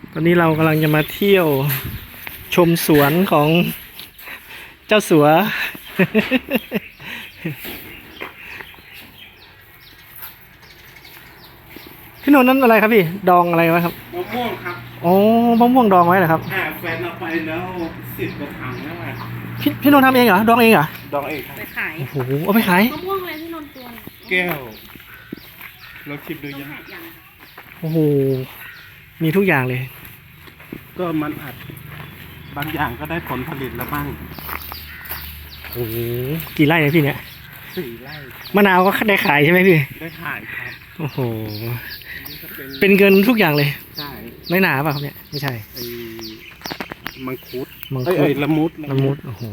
ตอนนี้เรากำลังจะมาเที่ยวชมสวนของเจ้าสัว พี่นนท์นั่นอะไรครับพี่ดองอะไรไว้ครับมะม่วงครับอ๋อมะม่วงดองไว้เหรอครับแฟนเอาไปแล้ว10 กว่าถังแล้วอ่ะพี่นนท์ทำเองเหรอดองเองเหรอดองเองครับไปขายโอ้โหเอาไปขายมะม่วงอะไรที่นนท์ตัวเนี่ยแก้วเราชิมดูต้องยังแหกอย่างโอ้โหมีทุกอย่างเลยก็มันอัดบางอย่างก็ได้ผลผลิตแล้วบ้างโอ้โหกี่ไร่เนี่ยพี่เนี่ย 4 ไร่มะนาวก็ได้ขายใช่ไหมพี่ได้ขายครับโอ้โหนี่ก็เป็นเงินทุกอย่างเลยใช่ไม่หนาป่ะครับเนี่ยไม่ใช่ไอ้มังคุดมังคุดละมุดละมุดโอ้โห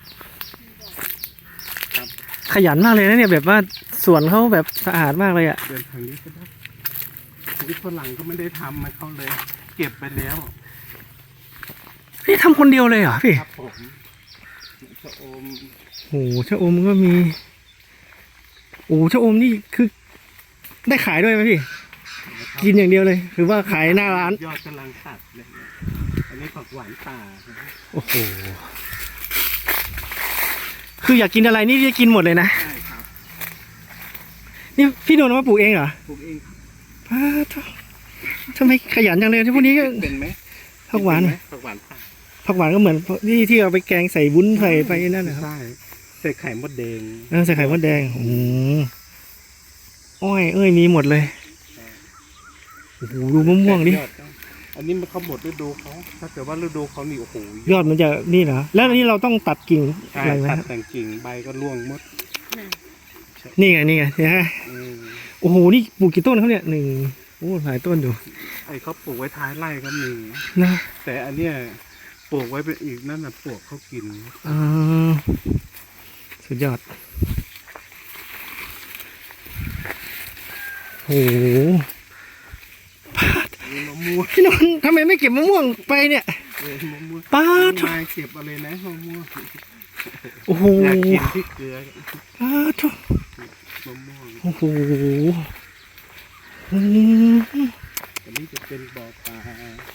ครับขยันมากเลยนะเนี่ยแบบว่าสวนเขาแบบสะอาดมากเลยอ่ะเดินทางนี้ก็ได้นี่ฝรั่งก็ไม่ได้ทำมาเขาเลย เก็บไปแล้วพี่ทำคนเดียวเลยเหรอพี่ครับผมชะอมโอ้โหชะอมก็มีโอ้โหชะอมนี่คือได้ขายด้วยไหมพี่นะครับกินอย่างเดียวเลยหรือว่าขายหน้าร้านยอดกำลังตัดเลยเนี่ยอันนี้ผักหวานป่านะโอ้โหคืออยากกินอะไรนี่จะกินหมดเลยนะใช่ครับนี่พี่โดนมาปลูกเองเหรอปลูกเองครับป้าททำไมขยันจังเลยที่พวกนี้ก็เป็นไหมผักหวานเป็ไหมผักหวานป่าผักหวานก็เหมือนที่เอาไปแกงใส่วุ้นใส่ไปนั่นนะครับใช่ใส่ไข่มดแดงใส่ไข่มดแดงอ้อยเอ้ยมีหมดเลยโอ้โหดูมะม่วงดิยอดต้องอันนี้มันเขาหมดฤดูเขาถ้าเกิดว่าฤดูเขานี่โอ้โหยอดมันจะนี่เหรอแล้วอันนี้เราต้องตัดกิ่งใช่อะไรไหมตัดครับแต่งกิ่งใบก็ร่วงหมดนี่ไงนี่ไงเห็นไหมอืมโอ้โหนี่ปลูกกี่ต้นเขาเนี่ยหนึ่งโอ้หลายต้นอยู่ไอ้เขาปลูกไว้ท้ายไร่ก็มีนะแต่อันเนี้ยปลูกไว้เป็นอีกนั่นน่ะปลวกเขากินอ่าสุดยอดโอ้โหมีมะม่วงพี่นนท์ทำไมไม่เก็บมะม่วงไปเนี่ยมะม่วงป้าดมาเก็บอะไรนะมะม่วงโอ้โหอยากกินพริกเกลือป้าดมะม่วงโอ้โหอืมอันนี้จะเป็นบ่อปลา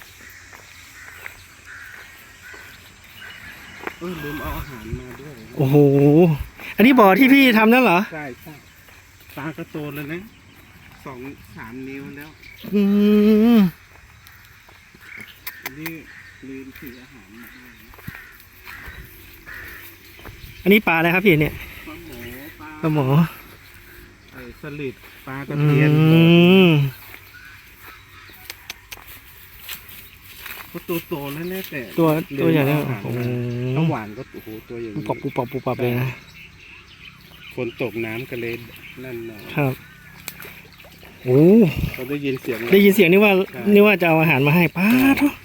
ลืมเอาอาหารมาด้วยโอ้โหอันนี้บ่อที่พี่ทำนั่นเหรอใช่ใช่ปลาก็โตแล้วนะ2-3 นิ้วแล้วอืมอันนี้ลืมถืออาหารมาด้วยนะอันนี้ปลาอะไรครับพี่เนี่ยปลาหมอปลาหมอไอ้สลิดปลาตะอืเพียนมก็ตัวโตแล้วแน่แต่ตัวใหญ่เนี่ยอาหารโอ้โหน้ำหวานก็โอ้โหตัวอย่างปุบปับปุบปับปุบปับเลยนะฝนตกน้ำกระเลนนั่นหน่อยครับโอ้เขาได้ยินเสียงได้ยินเสียงนี่ว่านี่ว่าจะเอาอาหารมาให้ป้าทุก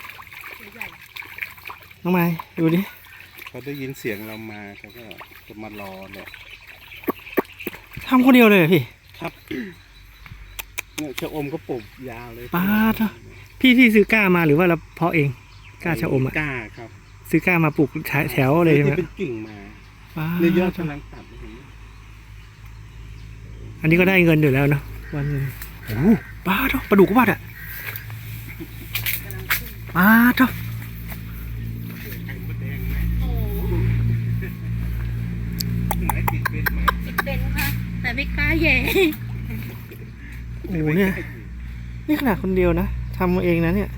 น้องไม้ดูดิเขาได้ยินเสียงเรามาเขาก็จะมารอเนี่ยทำคนเดียวเลยเหรอพี่ครับเนี่ยชะอมก็ปลูกยาวเลยป้าด พี่ซื้อก้ามาหรือว่าเราเพาะเองก้าชะอมอ่ะกล้าครับซื้อก้ามาปลูกแถวเลยใช่ไหมที่เป็นกิ่งมาป้าเนี่ยยอดดกำลังตัดเห็นไหมอันนี้ก็ได้เงินอยู่แล้วเนาะวันหนึงโอ้ป้าทุกปลาดุกก็ว่าอ่ะป้าทุกไข่มดแดงไหมโอ้ไหนติดเป็นไหมติดเป็นค่ะ แต่ไม่กล้าแย่โอ้โหเนี่ยนี่ขนาดคนเดียวนะทำเองนะเนี่ย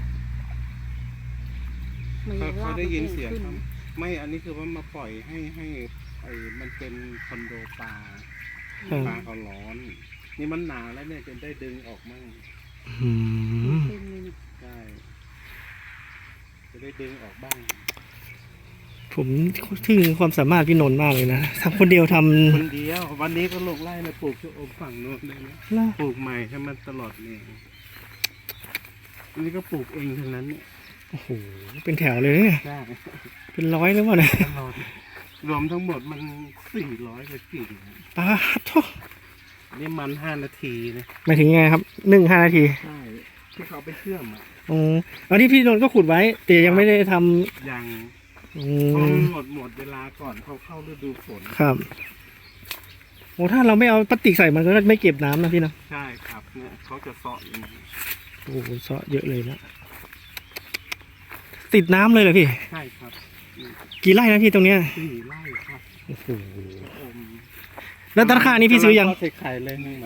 เขาได้ยินเสียงครับไม่อันนี้คือว่ามาปล่อยให้ไอ้มันเป็นคอนโดปลาครับปลาเขาร้อน นี่มันหนาวแล้วเนี่ยจะได้ดึงออกมั่งอืมใช่จะได้ดึงออกบ้างผมทึ่งความสามารถพี่นนท์มากเลยนะทำคนเดียวทำคนเดียววันนี้ก็ลงไร่นะปลูกชะอมฝั่งโน้นเลยนะแล้วปลูกใหม่ให้มันตลอดเนี่ยอันนี้ก็ปลูกเองทั้งนั้นเนี่ยโอ้โหเป็นแถวเลยเนี่ยใช่เป็นร้อยแล้ววะเนี่ยตลอดรวมทั้งหมดมัน400 กว่ากิ่งป้าทุกนี่มัน5 นาทีนะหมายถึงยังไงครับ1-5 นาทีใช่ที่เขาไปเชื่อมอ่ะอ๋ออันนี้พี่นนท์ก็ขุดไว้แต่ยังไม่ได้ทำยังอืเพราะมมันหมดเวลาก่อนเขาเข้าฤดูฝนครับโอ้ถ้าเราไม่เอาพลาสติกใส่มันก็ไม่เก็บน้ำนะพี่นะใช่ครับเนี่ยเขาจะเสาะอย่างนี้โอ้โหเซาะเยอะเลยนะติดน้ำเลยเหรอพี่ใช่ครับนี่กี่ไร่นะพี่ตรงเนี้ย 4 ไร่ครับโอ้โหชะอมแล้วต้นข้าวนี่พี่ซื้อยังกำลัทดใส่ไข่เลยนึงไหม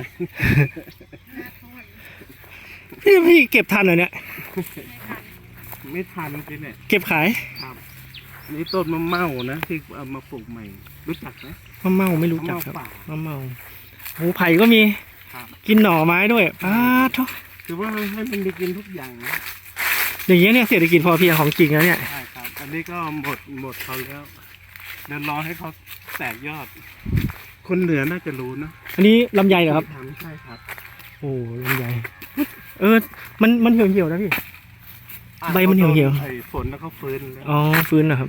พี่เก็บทันเหรอเนี่ยไม่ทันสิเนี่ยเก็บขายครับนี่ต้นมะเม่านะที่เอามาปลูกใหม่ รู้จักไหมมะเม่าไม่รู้จักครับมะเม่าป่ามะเม่าโอ้ไผ่ก็มีครับกินหน่อไม้ด้วยอ้าทุกคือว่าให้มันได้กินทุกอย่างนะอย่างเงี้ยเนี่ยเศรษฐกิจพอเพียงของจริงแล้วเนี่ยใช่ครับ อันนี้ก็หมดเขาแล้วเดี๋ยวรอให้เขาแตกยอด คนเหนือน่าจะรู้นะอันนี้ลำไยเหรอครับทำใช่ครับโอ้ลำไยมันเหี่ยวๆนะพี่ ใบมันเหี่ยวๆไอ้ฝนแล้วก็ฟื้นแล้วอ๋อฟื้นเหรอครับ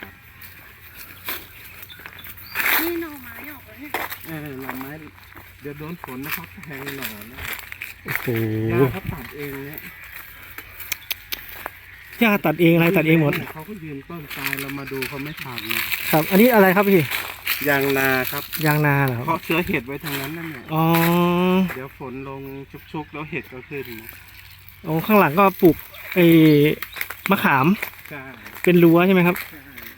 นี่หน่อไม้ออกแล้วเนี่ยหน่อไม้เดี๋ยวโดนฝนนะครับแทงหน่อนะโอ้โหยาเขาตัดเองเนี่ยย่าตัดเองอะไรตัดเองหมดเขาก็ยืนต้นตายเรามาดูเขาไม่ทำนะครับอันนี้อะไรครับพี่ยางนาครับยางนาเหรอครับเพราะเชื้อเห็ดไว้ทางนั้นนั่นแหละอ๋อเดี๋ยวฝนลงชุกๆแล้วเห็ดก็ขึ้นโอ้ข้างหลังก็ปลูกไอ้มะขามใช่เป็นรั้วใช่ไหมครับใช่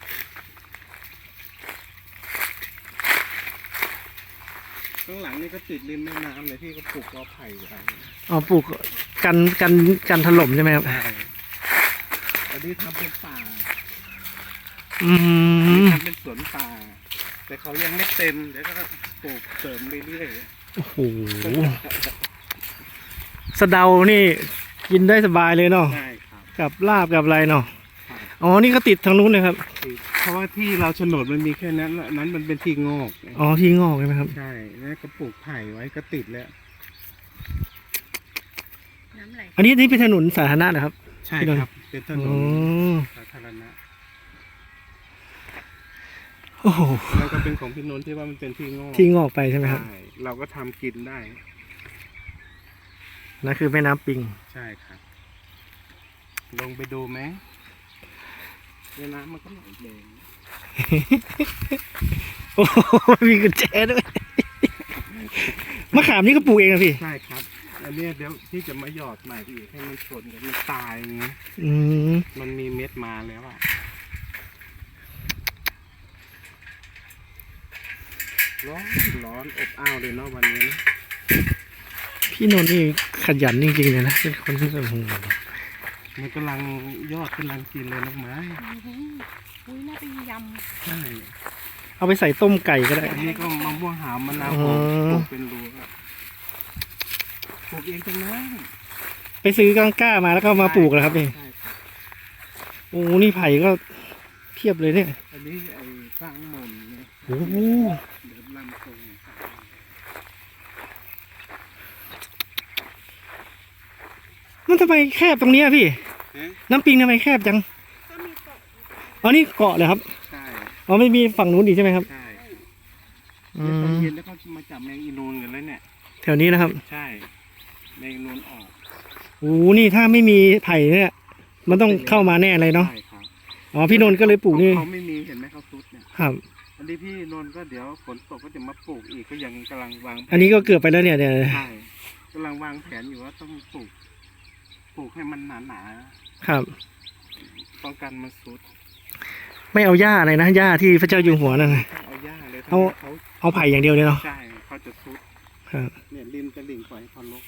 ข้างหลังนี่ก็ติดริมแม่น้ำเลยที่ก็ปลูกกอไผ่ไว้อ๋อปลูกกันถล่มใช่ไหมครับใช่อันนี้ทำเป็นป่าอืมทำเป็นสวนป่า แต่เขายังไม่เต็มเดี๋ยวก็ปลูกเสริมเรื่อยโอ้โหสะเดานี่กินได้สบายเลยเนาะๆใช่ครับกับลาบกับอะไรเนาะครับอ๋อนี่ก็ติดทางนู้นเลยครับเพราะว่าที่เราโฉนดมันมีแค่นั้นแล้วนั้นมันเป็นที่งอกอ๋อที่งอกใช่ไหมครับใช่แล้วก็ปลูกไผ่ไว้ก็ติดแล้วน้ำไหลอันนี้เป็นถนนสาธารณะนะครับใช่พี่นนท์ครับ เป็นถนอ๋นอสาธารณะโอ้โหแล้วก็เป็นของพี่นนท์ที่ว่ามันเป็นที่งอกที่งอกไปใช่ไหมครับใช่เราก็ทำกินได้นั่นคือแม่น้ำปิงใช่ครับ ลงไปดูไหมในน้ำมันก็ไหลแดงโอ้โหมีกุญแจด้วยมะขามนี่ก็ปลูกเองนะพี่ใช่ครับ อันเนี้ยเดี๋ยวที่จะมาหยอดใหม่อีกให้มันชนกันมันตายอย่างเงี้ยอืมมันมีเม็ดมาแล้วอะร้อนอบอ้าวเลยเนาะวันนี้นะพี่นนท์นี่ขยันจริงๆเลยนะเป็นคนที่แบบโอ้โหมันกำลังยอดกำลังกินเลยน้องไม้อุ้ยน่าไปยใช่เอาไปใส่ต้มไก่ก็ได้อันนี้ก็มะม่วงหาวมะนาวอ๋อปลูกเป็นรูอะปลูกเองตรงนั้นไปซื้อก้ามาแล้วก็มาปลูกแล้วครับนี่ใช่ครับโอ้นี่ไผ่ก็เทียบเลยเนี่ยอันนี้ไอ้สร้างมนต์เนี่ยโอ้โหเดินลำตรงมันทำไมแคบตรงเนี้ยพี่ฮะน้ำปิงทำไมแคบจังำก็มีเกาะอ๋อนี่เกาะเลยครับใช่อ๋อไม่มีฝั่งนู้นอีกใช่ไหมครับใช่อืเดี๋ยวตอนมเย็นแล้วก็มาจับแมงอีนูนกันแล้วเนี่ยแถวนี้นะครับใช่แมงอีนูนออกโอ้นี่ถ้าไม่มีไผ่เนี่ย มันต้องเข้ามาแน่เลยเนาะใช่ครับอ๋อพี่นนท์ก็เลยปลูกนี่เขาไม่มีเห็นไหมเขาซุดเนี่ยครับอันนี้พี่นนท์ก็เดี๋ยวฝนตกก็จะมาปลูกอีกก็ยังกำลังวางแผอันนี้ก็เกือบไปแล้วเนี่ยเนี่ยใช่กำลังวางแผนอยู่ว่าต้องปลูกให้มันหนาครับๆป้องกันมันซุดไม่เอาหญ้าอะไรนะหญ้าที่พระเจ้าอยู่หัวนั่นนะเอาหญ้าเลยเอาเขาเอาไผ่อย่างเดียวเลยเนาะใช่เขาจะซุดครับเนี่ยริมตลิ่งปล่อยให้เขาลก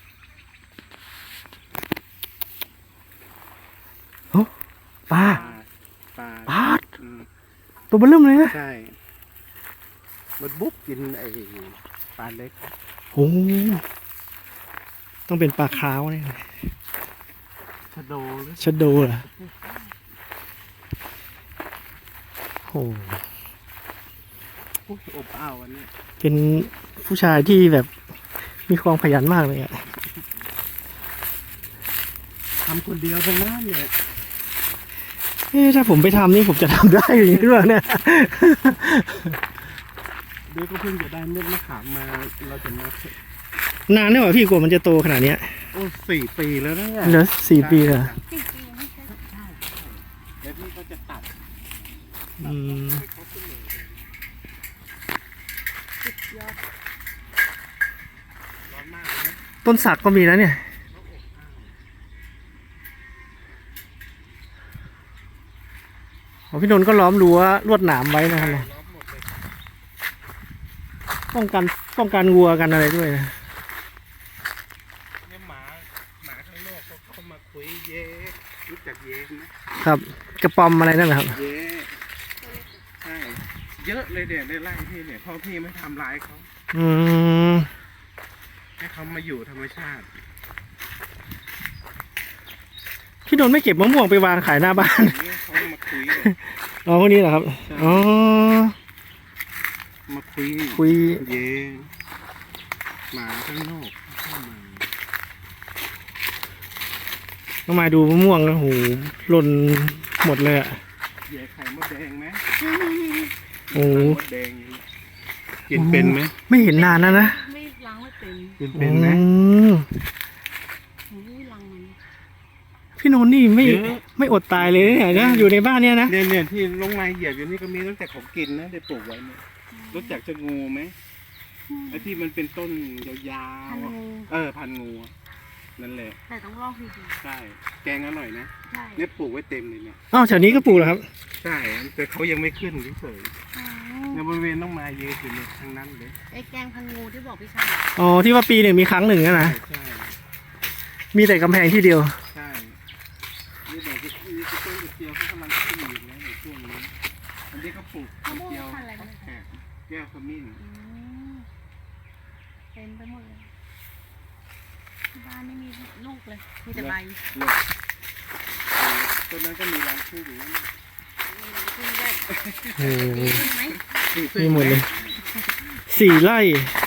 ปลาปลาปลาอืมตัวเบลเริ่มเลยนะใช่มันบุ๊กกินไอ้ปลาเล็กโอ้ต้องเป็นปลาขาวเนี่ยชะโดหรือชะโดเหรอโอ้อุ๊ยอบอ้าวอันนี้เป็นผู้ชายที่แบบมีความขยันมากเลยอะทำคนเดียวตรงนั้นเนี่ยเอ๊ะถ้าผมไปทำนี่ผมจะทำได้อย่างนี้หรือเปล่าเนี่ยเดี๋ยวก็เพิ่งจะได้เม็ดมะขามมาเราจะมานานเนี่ยว่ะพี่กว่ามันจะโตขนาดเนี้ยโอ้4 ปีแล้วนะเนี่ยเหลือ4 ปีเหรอ 4 ปีไม่ใช่เดี๋ยวพี่ก็จะตัดอืมให้เขาขึ้นเลยสุดยอดร้อนมากเลยนะต้นสักก็มีนะเนี่ยอ๋อพี่นนท์ก็ล้อมรั้วลวดหนามไว้นะครับเนี่ยล้อมหมดเลยป้องกันวัวกันอะไรด้วยนะเนี่ยหมาข้างนอกเขาเข้ามาคุยเย้รู้จักเย้ไหมครับ กระปอมอะไรนั่นแหละครับเย้ใช่เยอะเลยเดี๋ยวในไร่พี่เนี่ยพ่อพี่ไม่ทำร้ายเขาอืมให้เขามาอยู่ธรรมชาติพี่นนท์ไม่เก็บมะม่วงไปวางขายหน้าบ้านเนี่ยเขามาคุยเลยอ๋อพวกนี้เหรอครับใช่อ๋อมาคุยคุยเย้หมาข้างนอกเข้ามาน้องมายดูมะม่วงนะโหหล่นหมดเลยอ่ะเย้ไข่มดแดงไหมโอ้ไข่มดแดงกินเป็นไหมไม่เห็นนานแล้วนะไม่ล้างไม่เป็นกินเป็นไหมอืมหูล้างมันพี่นนท์นี่ไม่เยอะไม่อดตายเลยเนี่ยนะอยู่ในบ้านเนี่ยนะเนี่ยที่ลงไม้เหยียบอยู่นี่ก็มีตั้งแต่ของกินนะได้ปลูกไว้เนี่ยรู้จักจะงูไหมไอ้ที่มันเป็นต้นยาวพันๆอะงูพันงูอะนั่นแหละแต่ต้องลอกดีใช่แกงอร่อยนะๆใช่เนี่ยปลูกไว้เต็มเลยเนี่ยอ้าวแถวนี้ก็ปลูกเหรอครับใช่แต่เขายังไม่ขึ้นเฉยอ๋อๆในบริเวณต้องมาเยอะอยู่เลยทั้งนั้นเลยไอ้แกงพันงูที่บอกพี่ชายอ๋อที่ว่าปีหนึ่งมีครั้งหนึ่งอะใช่นะใช่มีแต่กำแพงที่เดียวใช่นี่ดอกนี่คือต้นกระเจียวเขากำลังขึ้นอยู่นะในช่วงนี้อันนี้ก็ปลูกกมะระม่วงเจียวพันธุ์อะไรนะแขกแก้วขมิ้นอืมเต็มไปหมดเลยที่บ้านไม่มีลูกเลย มีแต่ใบหลบต้นนั้นก็มีรังผึ้งอยู่นั่นขึ้นด้วยโอ้โหดีขึ้นไหมมีหมดเลย 4 ไร่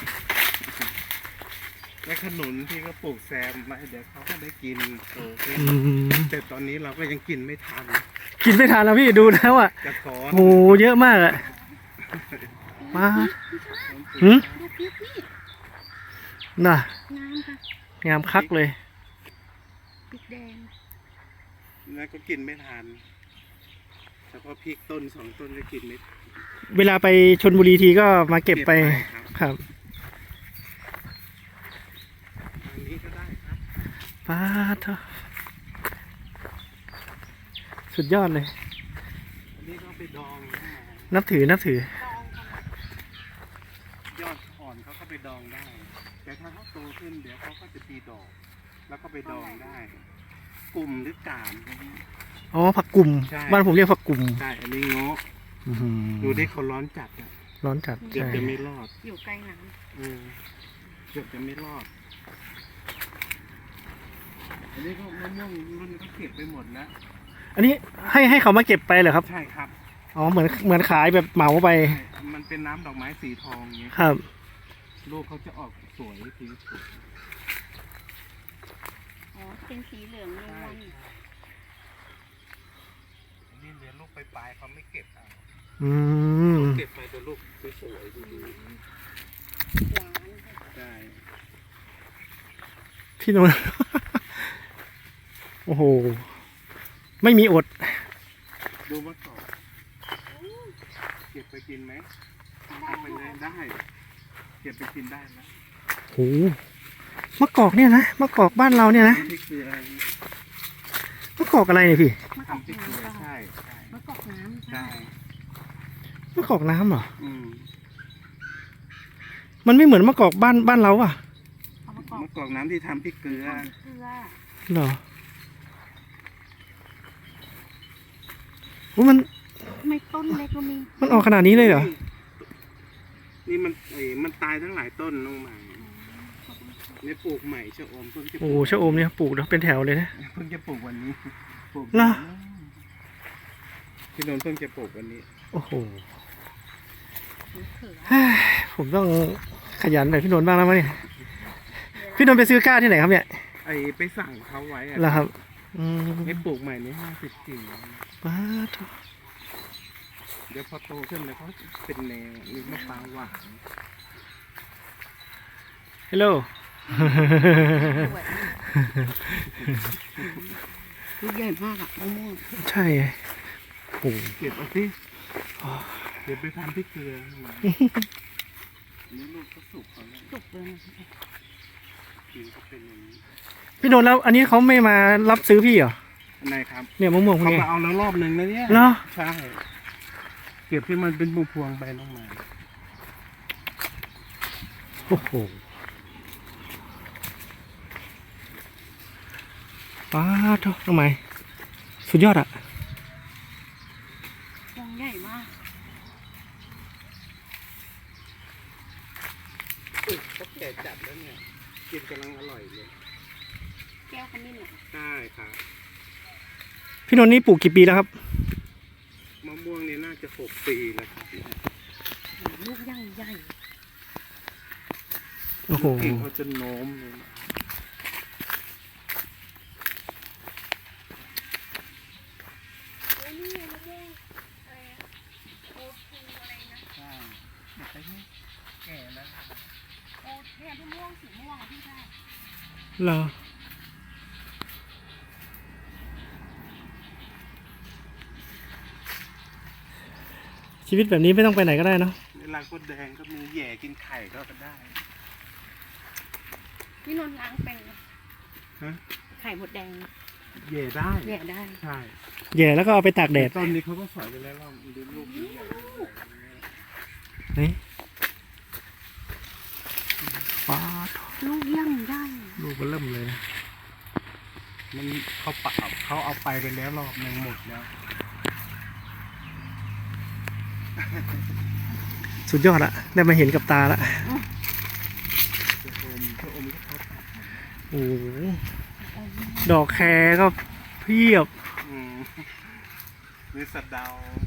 และขนุนที่ก็ปลูกแซมไว้เดี๋ยวเขาก็ได้กินโตขึ้นอืมแต่ตอนนี้เราก็ยังกินไม่ทันกินไม่ทันแล้วพี่ดูแล้วอ่ะกระท้อนโหเยอะมากอะมาหืมดูพริกนี่น่ะงามค่ะงามคักเลยพริกแดงแล้วก็กินไม่ทันเฉพาะพริกต้น2 ต้นก็กินไม่ทันเวลาไปชนบุรีทีก็มาเก็บไปครับครับอันนี้ก็ได้ครับป้าเถอะสุดยอดเลยอันนี้ก็เอาไปดองนะนับถือตองค่ะยอดอ่อนเขาก็ไปดองได้ แต่ถ้าเขาโตขึ้นเดี๋ยวเขาก็จะตีดอก แล้วก็ไปดองได้ กลุ่มหรือกาบอ๋อผักกุ่มใช่บ้านผมเรียกผักกุ่มใช่ อันนี้เงาะอื้อหือดูที่เขาร้อนจัดอะร้อนจัดเกือบใช่จะไม่รอดอยู่ไกลหนังเกือบจะไม่รอด อันนี้ก็มะม่วงรุ่นก็เก็บไปหมดแล้วอันนี้ให้เขามาเก็บไปเหรอครับใช่ครับอ๋อเหมือนขายแบบเหมาไปใช่มันเป็นน้ำดอกไม้สีทองเงี้ยครับลูกเขาจะออกสวยสีสวยอ๋อ เป็นสีเหลืองเลยวันอันนี้เดี๋ยวลูกปลายๆเขาไม่เก็บเอาอืมเก็บไปตัวลูกสวยๆดูหวานค่ะๆได้พี่นนท์ โอ้โห ไม่มีอดดูมะกอกเก็บไปกินไหมเอาไปเลยได้ เก็บไปกินได้นะโหมะกอกเนี่ยนะมะกอกบ้านเราเนี่ยนะที่คืออะไรมะกอกอะไรเนี่ยพี่มะกอกทำที่คือน้ำค่ะใช่ใช่มะกอกน้ำใช่มะกอกน้ำเหรออืมมันไม่เหมือนมะกอกบ้านเราอ่ะเอามะกอกมะกอกน้ำที่ทำพริกเกลือทำเกลือเหรอโอ้มันทำไมต้นเล็กก็มีมันออกขนาดนี้เลยเหรอนี่มันตายทั้งหลายต้นลงมาเนี่ยปลูกใหม่ชะอมเพิ่งจะปโอ้ลูกชะอมเนี่ยปลูกแล้วเป็นแถวเลยนะเพิ่งจะปลูกวันนี้ปลูกเหรอพี่นนท์เพิ่งจะปลูกวันนี้โอ้โหมะเขือผมต้องขยันหน่อยพี่นนท์บ้างแล้วมั้งเนี่ย พี่นนท์ไปซื้อกล้าที่ไหนครับเนี่ยไปสั่งเขาไว้อะแล้วครับ อืมให้ปลูกใหม่ใน50 กิ่งป้าดเดี๋ยวพอโตขึ้นแล้วเขาเป็นแนวมีมะพร้าวหวานฮัลโหลสวยลูกใหญ่มากอ่ะมะม่วงใช่โอ้โหเก็บเอาสิเดี๋ยวไปทำพริกเกลือมานี่ลูกก็สุกเขาแล้วสุกเลยนะกินก็เป็นอย่างนี้พี่นนท์แล้วอันนี้เขาไม่มารับซื้อพี่เหรออันไหนครับเนี่ยมะม่วงพวกเขาเนี้ยมาเอาแล้วรอบหนึ่งนะเนี่ยเหรอใช่เก็บที่มันเป็นพวงๆไปน้องมาโอ้โหป้าเท่าทำไมสุดยอดอะวงใหญ่มากเขาแก่จัดแล้วเนี่ยกินกำลังอร่อยเลยแก้วขมิ้นเหรอใช่ครับพี่นนท์นี่ปลูกกี่ปีแล้วครับมะม่วงนี่น่าจะ6 ปีแล้วครับเนี่ยลูกใหญ่ใหญ่โอ้โหกิ่งเขาจะโน้มเลยนะโอ้ยนี่ไงมะม่วงอะไรอะโอทูอะไรนะใช่แต่นี่แก่แล้วโอเนี่ยมะม่วงสีม่วงอะพี่ได้เหรอชีวิตแบบนี้ไม่ต้องไปไหนก็ได้เนาะเวลาก็แดงก็มีแหย่กินไข่ก็ได้พี่นนท์ล้างเป็นไหมฮะไข่มดแดงแหย่ได้แย่ได้ใช่แย่แล้วก็เอาไปตากแดดต้นนี้เขาก็สอยไปแล้วว่ามันเป็นลูกใหญ่นี่ป้าดลูกย่างได้ลูกมันเริ่มเลยนะมันเขาปะเขาเอาไปแล้วรอบหนึ่งหมดแล้วสุดยอดอะได้มาเห็นกับตาละชะอมก็เขาตัดโอ้โหดอกแครก็เพียบอืมมีสะเดา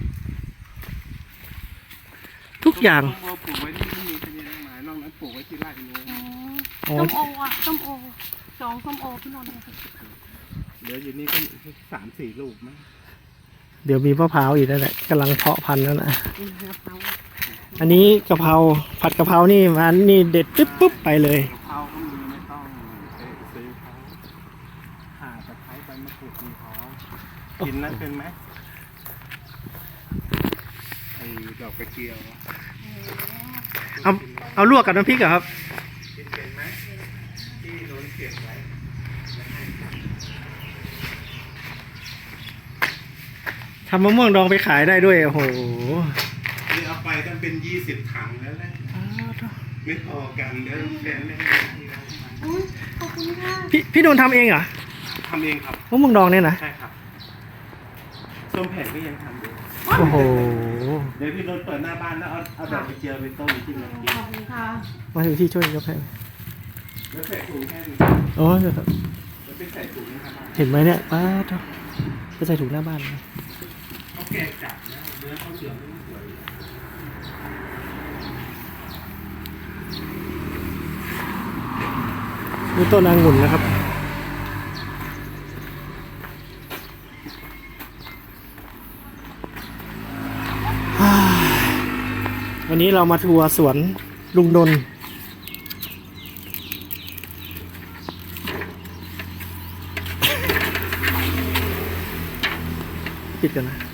ทุกอย่างต้นโอปลูกไว้ที่นี่เป็นยังไงนอกนั้นปลูกไว้ที่ไร่นู้นอ๋อส้มโออ่ะส้มโอสองส้มโอพี่นนท์เนี่ยเหลืออยู่นี่ก็3-4 ลูกมั้งเดี๋ยวมีมะพร้าวอีกนั่นแหละกำลังเพาะพันธุ์นั่นแหละอืมกะเพราอันนี้กะเพราผัดกะเพรานี่มันนี่เด็ดปุ๊บปุ๊บไปเลยกะเพราก็มีไม่ต้องไปซื้อเขาข่าตะไคร้ใบมะกรูดมีเขากินนั้นเป็นไหมไอ้ดอกกระเจียวเอาเอาลวกกับน้ำพริกเหรอครับกินเป็นไหมที่โดนเก็บไว้ทำมะม่วงดองไปขายได้ด้วยโอ้โหนี่เอาไปตั้งเป็น20 ถังแล้วแหละไม่พอกันเดี๋ยวแฟนไม่ให้ที่ร้านมันอุ้ยขอบคุณค่ะพี่โดนทำเองเหรอทำเองครับมะม่วงดองเนี่ยนะใช่ครับส้มแผ่นก็ยังทำอยู่โอ้โหเดี๋ยวพี่โดนเปิดหน้าบ้านแล้วเอาดอกกระเจียวไปต้มที่มันกินขอบคุณค่ะมาถึงที่ช่วยกาแฟแล้วใส่ถุงแค่นี้โอ้ยเดี๋ยวครับแล้วไปใส่ถุงนะครับเห็นไหมเนี่ยป้าดไปใส่ถุงหน้าบ้านนะเขาแกะจับนะเนื้อเขาเหลืองไม่สวยนี่ต้นองุ่นนะครับ วันนี้เรามาทัวร์สวนลุงดน ปิดกันนะ